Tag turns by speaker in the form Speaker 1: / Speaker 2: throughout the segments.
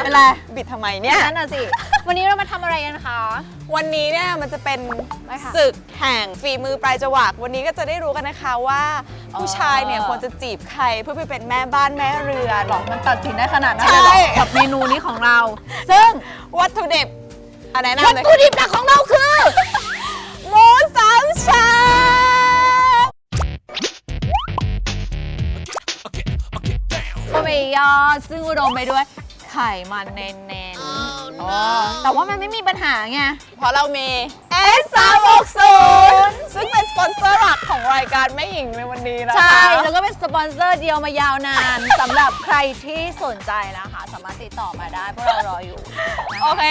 Speaker 1: เป็นไร
Speaker 2: บิดทำไมเนี่ย
Speaker 1: นั่นน่ะสิวันนี้เรามาทำอะไรกันคะ
Speaker 2: วันนี้เนี่ยมันจะเป็นศึกแห่งฝีมือปลายจวักวันนี้ก็จะได้รู้กันนะคะว่าผู้ชายเนี่ยควรจะจีบใครเพื่อไปเป็นแม่บ้านแม่เรือนหรอ
Speaker 1: มันตัดสินได้ขนาดนั้นเลยเหรอกับเมนูนี้ของเราซึ่ง
Speaker 2: วัตถุดิบอะไรนะ
Speaker 1: วัตถุดิบหลักของเราคือ
Speaker 2: หมูสามชั้น
Speaker 1: โอ้ยอซึ่งอุดมไปด้วยไขมันเน้นๆแต่ว่ามันไม่มีปัญหาไง
Speaker 2: เพราะเรามี S360 ซึ่งเป็นสปอนเซอร์หลักของรายการแม่หญิงในวันนี้นะคะ
Speaker 1: ใช่แล้วก็เป็นสปอนเซอร์เดียวมายาวนานสำหรับใครที่สนใจนะคะสามารถติดต่อมาได้พวกเรารออยู่
Speaker 2: โอเค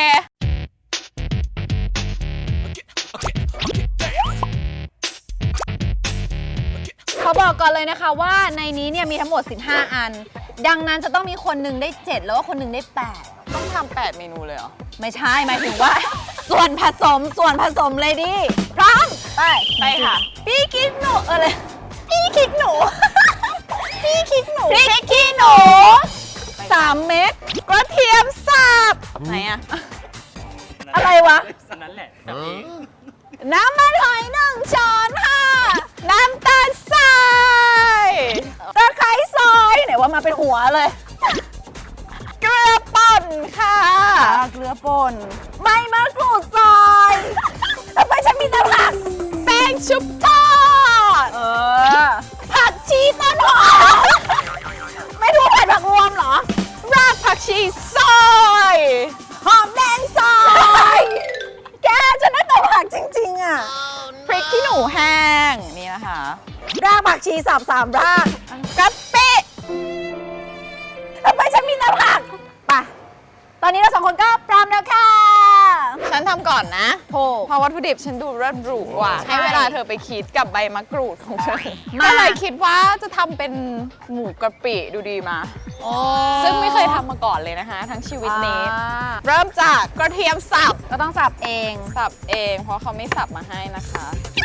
Speaker 1: เขาบอกก่อนเลยนะคะว่าในนี้เนี่ยมีทั้งหมด15อันดังนั้นจะต้องมีคนหนึ่งได้7แล้วก็คนหนึ่งได้8
Speaker 2: ต้องทำ8เมนูเลยเหรอ
Speaker 1: ไม่ใช่หมายถึงว่า ส่วนผสมเลยดิพร้อม
Speaker 2: ไปค่ะ
Speaker 1: พี่คิดหนูอะไรพี่คิดหนู
Speaker 2: พี่คิดหนู
Speaker 1: พริกขี้หนู3 เม็ด
Speaker 2: กระเทียมสับไหนอะ
Speaker 1: อะไรวะ
Speaker 3: นั่นแหละ
Speaker 1: น้ำมันหอย1 ช้อนค่ะ
Speaker 2: น้ำตาลทราย
Speaker 1: ตะไคร้ซอยไหนว่ามาเป็นหัวเลย
Speaker 2: เกลือป่นค่ะ
Speaker 1: เกลือป่นใบมะกรูดซอยแล้วไปฉันมีแต่ผัก
Speaker 2: แป้งชุบทอด
Speaker 1: ผักชีต้นหอมไม่รู้ผัดผักรวมเหรอ
Speaker 2: รากผักชีซอย
Speaker 1: หอมแดงซอยแกจะได้แต่ผักจริงๆอ่ะ
Speaker 2: พริกขี้หนูแห้งนี่นะคะ
Speaker 1: รากผักชีสับ3 ราก
Speaker 2: กะปิ
Speaker 1: แล้วไปฉันมีแต่ผักไปตอนนี้เรา2 คนก็พร้อมแล้วค่ะ
Speaker 2: ฉันทำก่อนนะ
Speaker 1: โอ้
Speaker 2: เพราะวัตถุดิบฉันดูเริ่มหรูกว่าให้เวลาเธอไปคิดกับใบมะกรูดของฉันก็เลยคิดว่าจะทำเป็นหมูกะปิดูดีมาซึ่งไม่เคยทำมาก่อนเลยนะคะทั้งชีวิตนี้เริ่มจากกระเทียมสับ
Speaker 1: ก็ต้องสับเอง
Speaker 2: เพราะเขาไม่สับมาให้นะคะ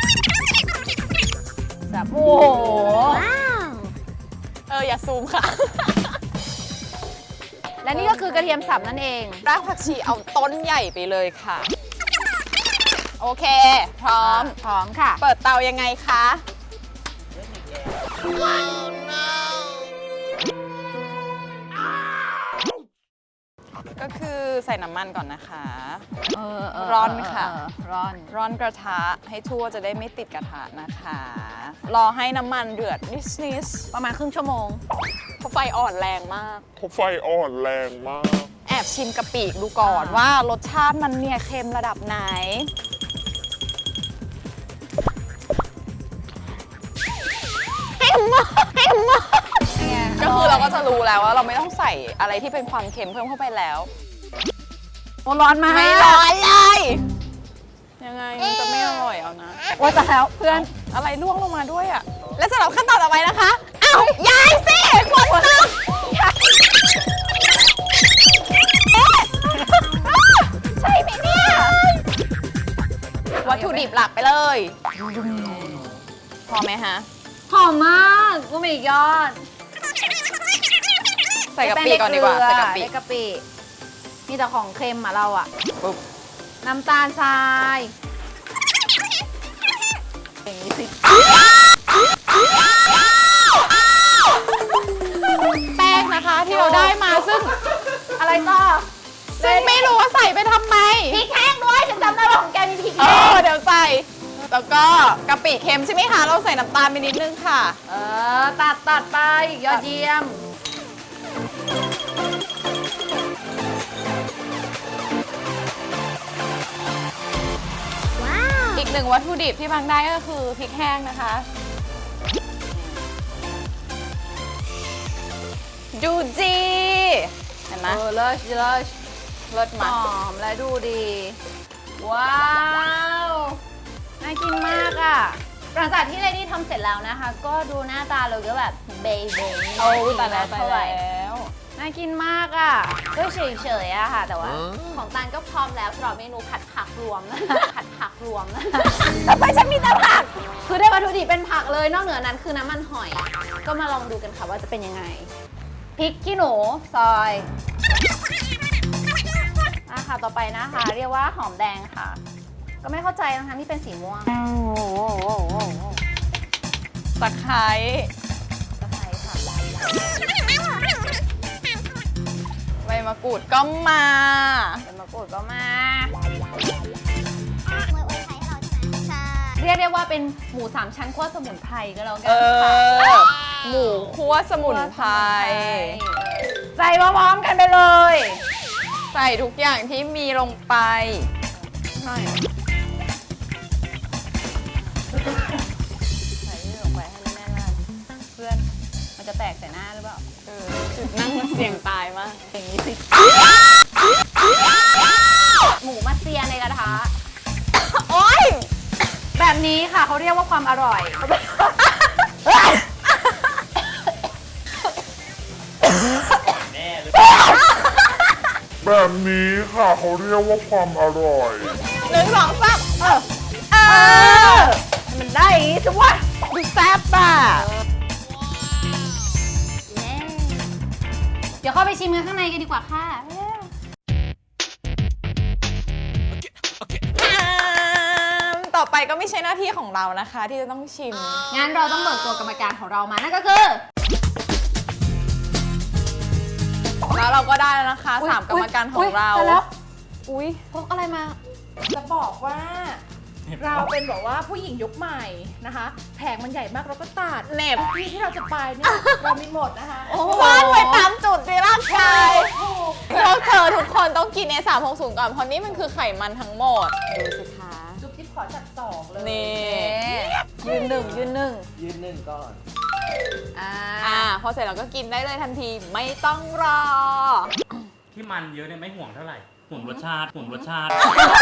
Speaker 1: สับโอ้โห
Speaker 2: อย่าซูมค่ะ
Speaker 1: และนี่ก็คือกระเทียมสับนั่นเอง
Speaker 2: รากผักชีเอาต้นใหญ่ไปเลยค่ะโอเคพร้อม
Speaker 1: ค่ะ
Speaker 2: เปิดเตายังไงคะก็คือใส่น้ำมันก่อนนะคะร้อนค่ะร้อนกระทะให้ทั่วจะได้ไม่ติดกระทะนะคะรอให้น้ำมันเดือดนิด
Speaker 1: ประมาณครึ่งชั่วโมง
Speaker 2: เพราะไฟอ่อนแรงมากแอบชิมกะปิดูก่อนว่ารสชาติมันเนี่ยเค็มระดับไหนเค็มมากก็คือเราก็จะรู้แล้วว่าเราไม่ต้องใส่อะไรที่เป็นความเค็มเพิ่มเข้าไปแล้ว
Speaker 1: โอ้ร้อนมาก
Speaker 2: ไม่ร้อนเลยยังไงมันจะไม่อร่อยเอานะ
Speaker 1: ว่าแต่แล้วเพื่อน
Speaker 2: อะไรล่วงลงมาด้วยอ่ะและสำหรับขั้นตอนต่อไปนะคะอ้าวยายสิฝนตกใช่ไหมเนี่ยวัตถุดิบหลักไปเลยพอไหมฮะ
Speaker 1: หอมมากกูไม่ยอด
Speaker 2: ใส่กะปิก่อนดีกว่าใส่กะปิ
Speaker 1: มีแต่ของเค็มอ่ะเราอ่ะ
Speaker 2: ปุ๊บ
Speaker 1: น้ำตาลทรายอย่างนี้สิ
Speaker 2: แป้งนะคะที่เราได้มาซึ่ง
Speaker 1: อะไรต่อ
Speaker 2: ซึ่งไม่รู้ว่าใส่ไปทำไม
Speaker 1: พริกแห้งด้วยฉันจำได้ว่าของแกมีพริกแห้ง
Speaker 2: เดี๋ยวใส่แล้วก็กะปิเค็มใช่ไหมคะเราใส่น้ำตาลไปนิดนึงค่ะ
Speaker 1: ตัดไปยอดเยี่ยม
Speaker 2: อีกหนึ่งวัตถุดิบที่บางได้ก็คือพริกแห้งนะคะดูจีเห็นไหม
Speaker 1: เลิศ
Speaker 2: มา
Speaker 1: หอมและดูดีว้าวน่ากินมากอ่ะหลังจากที่เลดี้ทำเสร็จแล้วนะคะก็ดูหน้าตาเราก็แบบเบย์
Speaker 2: แต่แล้ว
Speaker 1: น่ากินมากอ่ะก็เฉยๆอะค่ะแต่ว่าของตาลก็พร้อมแล้วสำหรับเมนูผัดผักรวมนะแต่ไม่ใช่มีแต่ผักคือได้วัตถุดิบเป็นผักเลยนอกเหนือนั้นคือน้ำมันหอยก็มาลองดูกันค่ะว่าจะเป็นยังไงพริกขี้หนูซอยค่ะต่อไปนะคะ เรียกว่าหอมแดงค่ะ ก็ไม่เข้าใจนะคะที่เป็นสีม่วง
Speaker 2: ตะไคร้
Speaker 1: ตะไคร้ค่ะ
Speaker 2: ใบมะกรูดก็มา
Speaker 1: ใบมะกรูดก็มา เรียกได้ว่าเป็นหมู3ชั้นคั่วสมุนไพรก็แล้วกั
Speaker 2: เอน
Speaker 1: ค่ะ
Speaker 2: อ หมูคั่วสมุนไพร
Speaker 1: ใส่พร้อมๆกันไปเลย
Speaker 2: ใส่ทุกอย่างที่มีลงไปหน่อย
Speaker 1: ใส่นี่ลงไปให้แน่นๆเลยเพื่อนมันจะแตกใส่หน้าหรือเปล่า
Speaker 2: จุดนั่งมันเสี่ยงตายมาก
Speaker 1: อย่างนี้สิหมูมาเซียในกระทะ
Speaker 2: โอ๊ย
Speaker 1: แบบนี้ค่ะเขาเรียกว่าความอร่อย
Speaker 3: แบบนี้ค่ะเขาเรียกว่าความอร่อย
Speaker 2: 1 2 3
Speaker 1: ให้มันได้อย่างนี้สิวะ
Speaker 2: ดูแซ่บอ่ะ
Speaker 1: เดี๋ยวเข้าไปชิมกันข้างในกันดีกว่าค่ะ
Speaker 2: ต่อไปก็ไม่ใช่หน้าที่ของเรานะคะ ที่จะต้องชิม
Speaker 1: งั้นเราต้องเบิกตัวกรรมการของเรามานั่นก็คือ
Speaker 2: แล้วเราก็ได้แล้วนะคะ 3 กรรมการของเรา
Speaker 1: ยแล้ว
Speaker 2: อุ้ย
Speaker 1: พกอะไรมา
Speaker 4: จะบอกว่าเราเป็นแบบว่าผู้หญิงยุคใหม่นะคะ แผงมันใหญ่มากเราก็ตัด
Speaker 2: เหน็บ
Speaker 4: ทุกที่ที่เราจะไปเนี่ย เรามีหมดนะคะ
Speaker 1: โอ้โห
Speaker 2: ซ่อนไว้ตามจุดในร่างกายพวกเธอทุกคนต้องกิน A360 ก่อน เพราะนี่มันคือไขมันทั้งหมด ดูสิคะ
Speaker 4: จุ๊บจิ๊บขอจัดสองเลย
Speaker 2: นี่
Speaker 1: ยืนหนึ่ง
Speaker 5: ยืนหนึ่งก่อน
Speaker 2: พอเสร็จเราก็กินได้เลยทันทีไม่ต้องรอ
Speaker 6: ที่มันเยอะเนี่ยไม่ห่วงเท่าไหร่ห่วงรสชาติห่วงรสชาติ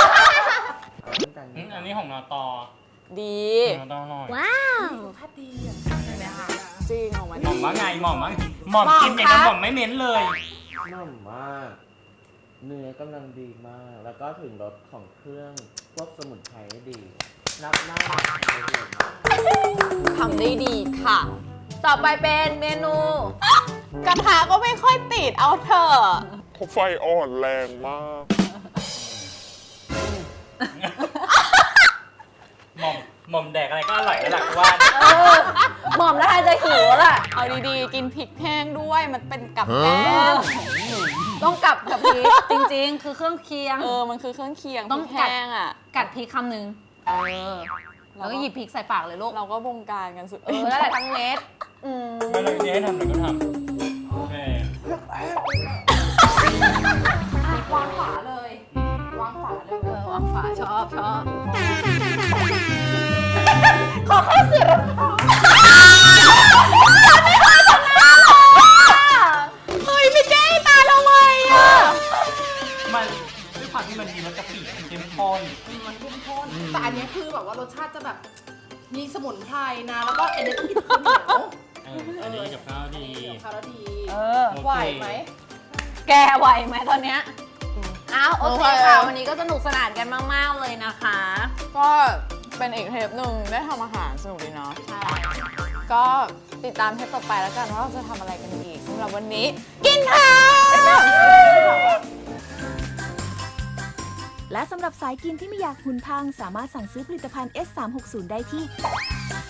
Speaker 6: อันนี้ของนอตอ
Speaker 2: ดี
Speaker 6: นอตออร่อย
Speaker 4: ถ้าดีอ่ะ
Speaker 2: จริงออกมา
Speaker 6: หม่อมว่าไงหม่อมว่าไงหม่อมกินอย่างกับหม่อมไม่เม้นเลย
Speaker 5: นุ่มมาก เนื้อกำลังดีมาก แล้วก็ถึงรสของเครื่องพวกสมุนไพรได้ดีรับหน้าได้ดีมาก
Speaker 2: ทำได้ดีค่ะ
Speaker 1: ต่อไปเป็นเมนู
Speaker 2: กระทะก็ไม่ค่อยติดเอาเถอะ
Speaker 3: เขาไฟอ่อนแรงมาก
Speaker 6: หม่อมแดกอะไรก็อร่อยแล้วหลักว่า
Speaker 1: หม่อมแล้วทานจะหิวแล้วล่ะ
Speaker 2: เอาดีๆ กินพริกแห้งด้วย มันเป็นกับแก้ม
Speaker 1: ต้องกลับกับพริกจริงๆ คือเครื่องเคียง
Speaker 2: มันคือเครื่องเคียง
Speaker 1: ต้อง
Speaker 2: พริกแห้งอ่ะ
Speaker 1: กัดพริกคำหนึ่งแล้วก็หยิบพริกใส่ปากเลยลูก
Speaker 2: เราก็บงการกันสุด
Speaker 1: แล้วแหละทั้งเม็ด
Speaker 6: ไม่เลยนี่ให้ทำอะไรก็ทำโอเคว
Speaker 4: างฝาเลย วางฝาเลย
Speaker 1: วางฝาชอบขอข้าวเสือ
Speaker 2: เฮ้ยไม่แก้ตาเราเลยอ่ะ
Speaker 6: มันด้วยความที่มันมีรสกะปิมันเข้มข้น
Speaker 4: มันเข้มข้นแต่อันนี้คือแบบว่ารสชาติจะแบบ มีสมุนไพรนะ แล้วก็อันนี้ต้องกินข้าวเหนียว
Speaker 6: อันนี้กับข้าวดี
Speaker 4: ข้าวแล้วดี
Speaker 6: โอเค
Speaker 4: ไหวไหม
Speaker 1: แกไหวไหมตอนเนี้ยอ้าวโอเคค่ะ วันนี้ก็สนุกสนานกันมากๆเลยนะคะ
Speaker 2: ก็เป็นอีกเทปหนึ่งได้ทำอาหารสนุกดีเนาะ ใช่ ก็ติดตามเทปต่อไปแล้วกันว่าเราจะทำอะไรกันอีกสำหรับวันนี้ กินข้าว
Speaker 7: และสำหรับสายกินที่ไม่อยากหุ่นพัง สามารถสั่งซื้อผลิตภัณฑ์ S360 ได้ที่